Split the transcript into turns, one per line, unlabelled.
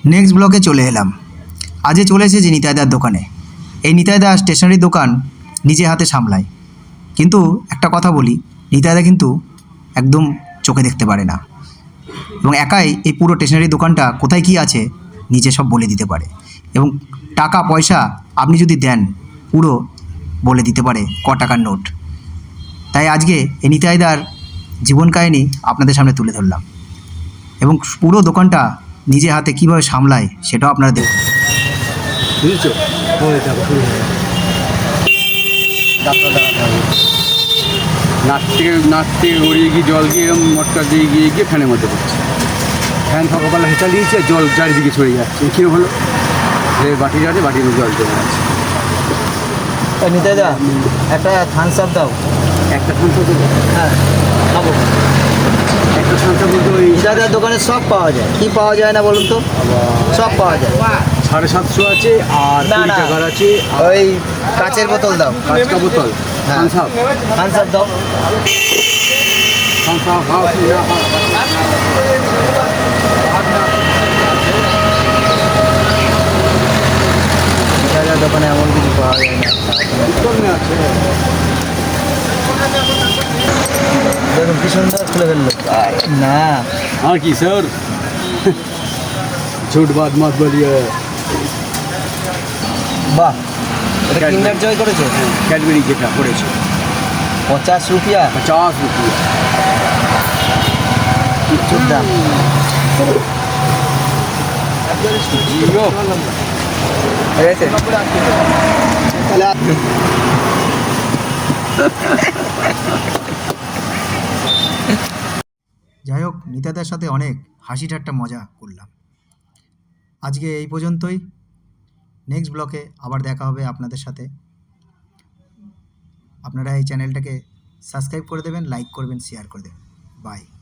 Next ব্লকে চলে এলাম। আজকে চলে এসেছি নিতাইদার দোকানে। এই নিতাইদা স্টেশনারি দোকান নিজে হাতে সামলায়, কিন্তু একটা কথা বলি, নিতাইদা কিন্তু একদম চোখে দেখতে পারে না এবং একাই এই পুরো স্টেশনারি দোকানটা কোথায় কী আছে নিজে সব বলে দিতে পারে এবং টাকা পয়সা আপনি যদি দেন পুরো বলে দিতে পারে ক টাকার নোট। তাই আজকে এই নিতাইদার জীবন কাহিনী আপনাদের সামনে তুলে ধরলাম এবং পুরো দোকানটা নিজে হাতে কীভাবে সামলায় সেটাও আপনারা দেখুন।
বুঝেছো? নাক থেকে গড়িয়ে গিয়ে জল গিয়ে এরকম মটকা দিয়ে গিয়ে ফ্যানের মধ্যে পড়ছে। ফ্যান সকালবেলা হেঁচা দিয়েছে, জল চারিদিকে ছড়িয়ে যাচ্ছে। কী হলো? বাটি যাচ্ছে, বাটির জল জমে আছে।
নিতাইদা একটা থামস আপ দাও।
একটা থামস আপ,
হ্যাঁ খাবো।
একটা থামস আপ বলতে ওই
নিতাইদার দোকানে সব পাওয়া যায়। কি পাওয়া যায় না বলুন তো? সব পাওয়া যায়।
750 আছে আর
না,
20
না।
টাকার আছে।
ওই কাচের বোতল দাও।
কাঁচকা বোতল,
হ্যাঁ।
থামস আপ,
থামস আপ দাও।
থামস আপ হাফ
নিতাইদার দোকানে এমন কিছু পাওয়া যায় না।
আছে।
দেখুন কি সুন্দর খুলে ফেললো। না
हाँ की सर झूठ बात मत बोलिए।
বাহ, এটা কিন্ডার জয় করেছে।
कैडबेरी যেটা পড়েছে
50 রুপিয়া
50 रुपये।
কিচ্ছুর দাম।
জিরো
ঠিক আছে তাহলে
যাই হোক, নিতাইদার সাথে অনেক হাসি ঠাট্টা মজা করলাম। আজকে এই পর্যন্তই। নেক্সট ব্লকে আবার দেখা হবে আপনাদের সাথে। আপনারা এই চ্যানেলটাকে সাবস্ক্রাইব করে দেবেন, লাইক করবেন, শেয়ার করে দেবেন। বাই।